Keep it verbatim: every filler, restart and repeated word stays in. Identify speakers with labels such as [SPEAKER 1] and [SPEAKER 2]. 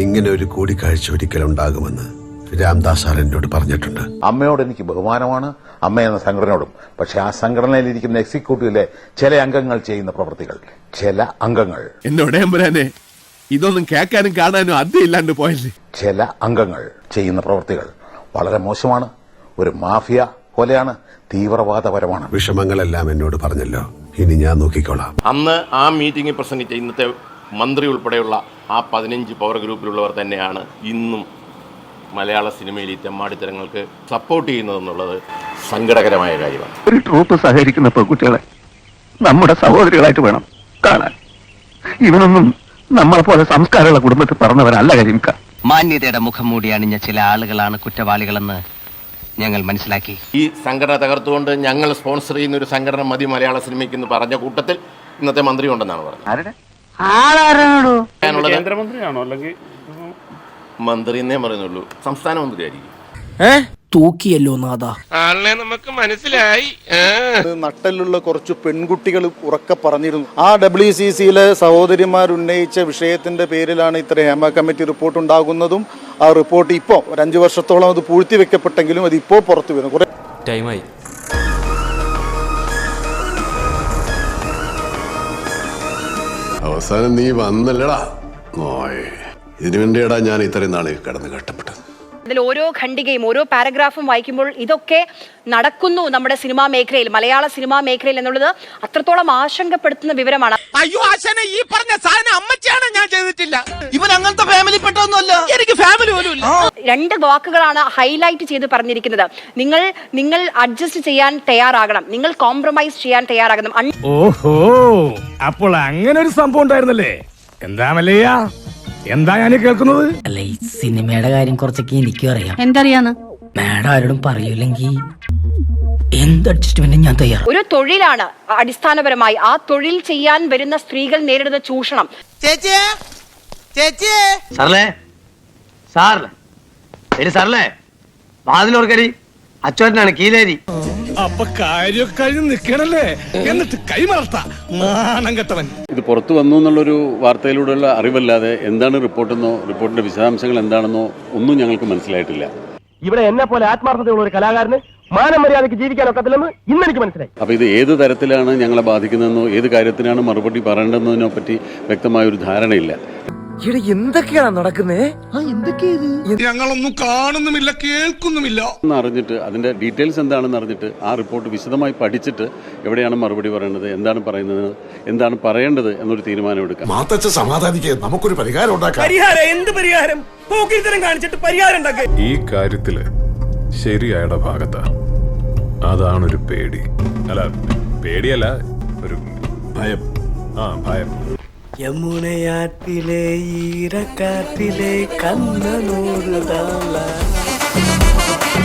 [SPEAKER 1] ഇങ്ങനെ ഒരു കൂടിക്കാഴ്ച ഒരിക്കലുണ്ടാകുമെന്ന് രാംദാസ് സാർ എന്നോട് പറഞ്ഞിട്ടുണ്ട്.
[SPEAKER 2] അമ്മയോട് എനിക്ക് ബഹുമാനമാണ്, അമ്മ എന്ന സംഘടനയോടും. പക്ഷെ ആ സംഘടനയിലിരിക്കുന്ന എക്സിക്യൂട്ടീവിലെ ചില അംഗങ്ങൾ ചെയ്യുന്ന പ്രവൃത്തികൾ, ചില അംഗങ്ങൾ
[SPEAKER 3] എന്നോട് എമ്പുരാനെ ഇതൊന്നും കേൾക്കാനും കാണാനും അദ്യമില്ലാണ്ട് പോയല്ലേ.
[SPEAKER 2] ചില അംഗങ്ങൾ ചെയ്യുന്ന പ്രവൃത്തികൾ വളരെ മോശമാണ്, ഒരു മാഫിയ പോലെയാണ്, തീവ്രവാദപരമാണ്.
[SPEAKER 1] വിഷമങ്ങളെല്ലാം എന്നോട് പറഞ്ഞല്ലോ, ഇനി ഞാൻ നോക്കിക്കോളാം.
[SPEAKER 4] അന്ന് ആ മീറ്റിംഗിൽ പ്രസംഗിച്ച ഇന്നത്തെ മന്ത്രി ഉൾപ്പെടെയുള്ള ആ പതിനഞ്ച് പവർ ഗ്രൂപ്പിലുള്ളവർ തന്നെയാണ് ഇന്നും മലയാള സിനിമയിൽ ഈ തെമ്മാടിത്തരങ്ങൾക്ക് സപ്പോർട്ട് ചെയ്യുന്നതെന്നുള്ളത് സങ്കടകരമായ കാര്യമാണ്.
[SPEAKER 5] ഒരു ട്രൂപ്പ് സഹകരിക്കുന്ന പെൺകുട്ടികളെ നമ്മുടെ സഹോദരികളായിട്ട് വേണം കാണാൻ. ഇവനൊന്നും നമ്മളെ പോലെ സംസ്കാരമുള്ള കുടുംബത്തിൽ പറഞ്ഞവരല്ല കരിമിക്ക.
[SPEAKER 6] മാന്യതയുടെ മുഖം മൂടി അണിഞ്ഞ ചില ആളുകളാണ് കുറ്റവാളികളെന്ന് ഞങ്ങൾ മനസ്സിലാക്കി.
[SPEAKER 4] ഈ സംഘടന തകർത്തുകൊണ്ട് ഞങ്ങൾ സ്പോൺസർ ചെയ്യുന്ന ഒരു സംഘടന മതി മലയാള സിനിമയ്ക്ക് എന്ന് പറഞ്ഞ കൂട്ടത്തിൽ ഇന്നത്തെ മന്ത്രി ഉണ്ടെന്നാണ് പറഞ്ഞത്.
[SPEAKER 7] കേന്ദ്രമന്ത്രിയാണോ അല്ലെങ്കിൽ
[SPEAKER 4] മന്ത്രി എന്നേ പറയുന്നുള്ളൂ, സംസ്ഥാന മന്ത്രിയായിരിക്കും.
[SPEAKER 8] തൂക്കിയല്ലോ നാദാ,
[SPEAKER 9] ആളിനെ നമുക്ക് മനസ്സിലായി.
[SPEAKER 10] നട്ടലുള്ള കുറച്ച് പെൺകുട്ടികൾ ഉറക്കെ പറഞ്ഞിരുന്നു. ആ ഡബ്ല്യു സി സിയിലെ സഹോദരിമാർ ഉന്നയിച്ച വിഷയത്തിന്റെ പേരിലാണ് ഇത്ര ഹേമ കമ്മിറ്റി റിപ്പോർട്ട് ഉണ്ടാകുന്നതും ആ റിപ്പോർട്ട് ഇപ്പോൾ ഒരു അഞ്ചു വർഷത്തോളം അത് പൂഴ്ത്തിവെക്കപ്പെട്ടെങ്കിലും അത് ഇപ്പോൾ പുറത്തു വരുന്നു. കുറെ
[SPEAKER 7] ടൈമായി.
[SPEAKER 1] അവസാനം നീ വന്നല്ലടാ. ഇതിനു വേണ്ടിയടാ ഞാൻ ഇത്രയും നാളെ കിടന്ന് കഷ്ടപ്പെട്ടത്.
[SPEAKER 11] അതിൽ ഓരോ ഖണ്ഡികയും ഓരോ പാരഗ്രാഫും വായിക്കുമ്പോൾ ഇതൊക്കെ നടക്കുന്നു നമ്മുടെ സിനിമാ മേഖലയിൽ, മലയാള സിനിമാ മേഖലയിൽ എന്നുള്ളത് അത്രത്തോളം ആശങ്കപ്പെടുത്തുന്ന വിവരമാണ്.
[SPEAKER 9] അയ്യോ ആശാനെ, ഈ പറഞ്ഞ സാധനം അമ്മച്ചാണ്, ഞാൻ ചെയ്തിട്ടില്ല. ഇവൻ അങ്ങനത്തെ ഫാമിലി പെട്ടൊന്നുമല്ല, എനിക്ക് ഫാമിലി പോലും ഇല്ല.
[SPEAKER 11] രണ്ട് വാക്കുകളാണ് ഹൈലൈറ്റ് ചെയ്ത് പറഞ്ഞിരിക്കുന്നത്. നിങ്ങൾ നിങ്ങൾ അഡ്ജസ്റ്റ് ചെയ്യാൻ തയ്യാറാകണം, നിങ്ങൾ കോംപ്രമൈസ് ചെയ്യാൻ തയ്യാറാകണം.
[SPEAKER 7] ഓഹോ, അപ്പോൾ അങ്ങനെ ഒരു സംഭവം ഉണ്ടായിരുന്നല്ലേ? എന്താ മല്ലയ്യ, എന്താ ഞാൻ കേൾക്കുന്നത്?
[SPEAKER 8] അല്ല, ഈ സിനിമയുടെ കാര്യം കുറച്ചൊക്കെ എനിക്കും അറിയാം.
[SPEAKER 11] എന്തറിയാന്ന്
[SPEAKER 8] മാഡം ആരോടും പറയൂലെങ്കിൽ എന്ത് അഡ്ജസ്റ്റ്മെന്റും ഞാൻ തയ്യാറാണ്.
[SPEAKER 11] ഒരു തൊഴിലാണ് അടിസ്ഥാനപരമായി, ആ തൊഴിൽ ചെയ്യാൻ വരുന്ന സ്ത്രീകൾ നേരിടുന്ന ചൂഷണം.
[SPEAKER 9] ചേച്ചിയെ ചേച്ചിയെ
[SPEAKER 6] സാറല്ലേ സാറല്ലേ സാറല്ലേ വാതിലോർക്കരി അച്ചോട്ടനാണ് കീലേരി.
[SPEAKER 7] അപ്പൊ കാര്യം കഴിഞ്ഞ് നിൽക്കണല്ലേ, എന്നിട്ട് കൈമറത്ത നാണം കെട്ടവൻ.
[SPEAKER 12] ഇത് പുറത്തു വന്നു എന്നുള്ളൊരു വാർത്തയിലൂടെയുള്ള അറിവല്ലാതെ എന്താണ് റിപ്പോർട്ടെന്നോ റിപ്പോർട്ടിന്റെ വിശദാംശങ്ങൾ എന്താണെന്നോ ഒന്നും ഞങ്ങൾക്ക് മനസ്സിലായിട്ടില്ല.
[SPEAKER 6] ഇവിടെ എന്നെ പോലെ ആത്മാർത്ഥതയുള്ള ഒരു കലാകാരന് മാനം മര്യാദയ്ക്ക് ജീവിക്കാനൊക്കത്തില്ലെന്ന് ഇന്നെനിക്ക് മനസ്സിലായി.
[SPEAKER 12] അപ്പൊ ഇത് ഏത് തരത്തിലാണ് ഞങ്ങളെ ബാധിക്കുന്നതെന്നോ ഏത് കാര്യത്തിനാണ് മറുപടി പറയേണ്ടതെന്നതിനെ പറ്റി വ്യക്തമായ ഒരു ധാരണയില്ല.
[SPEAKER 8] എന്തൊക്കെയാണ് നടക്കുന്നേ?
[SPEAKER 7] ഞങ്ങളൊന്നും കാണുന്നുമില്ല കേൾക്കുന്നുമില്ല.
[SPEAKER 12] അറിഞ്ഞിട്ട് അതിന്റെ ഡീറ്റെയിൽസ് എന്താണെന്ന് അറിഞ്ഞിട്ട് ആ റിപ്പോർട്ട് വിശദമായി പഠിച്ചിട്ട് എവിടെയാണ് മറുപടി പറയേണ്ടത്, എന്താണ് പറയുന്നത്, എന്താണ് പറയേണ്ടത് എന്നൊരു തീരുമാനം എടുക്കാം.
[SPEAKER 1] സമാധാനിക്കുക, നമുക്കൊരു പരിഹാരം ഉണ്ടാക്കാം.
[SPEAKER 7] പരിഹാരം? എന്ത് പരിഹാരം? പോക്കിരിത്തരം കാണിച്ചിട്ട് പരിഹാരം ഉണ്ടാക്കുക.
[SPEAKER 3] ഈ കാര്യത്തില് ശരിയായുടെ ഭാഗത്താ. അതാണൊരു പേടി. അല്ല, പേടിയല്ല, ഒരു ഭയം. ആ ഭയം.
[SPEAKER 8] യമുനയാറ്റിലെ ഈരക്കാറ്റിലെ കണ്ണനോടുതാള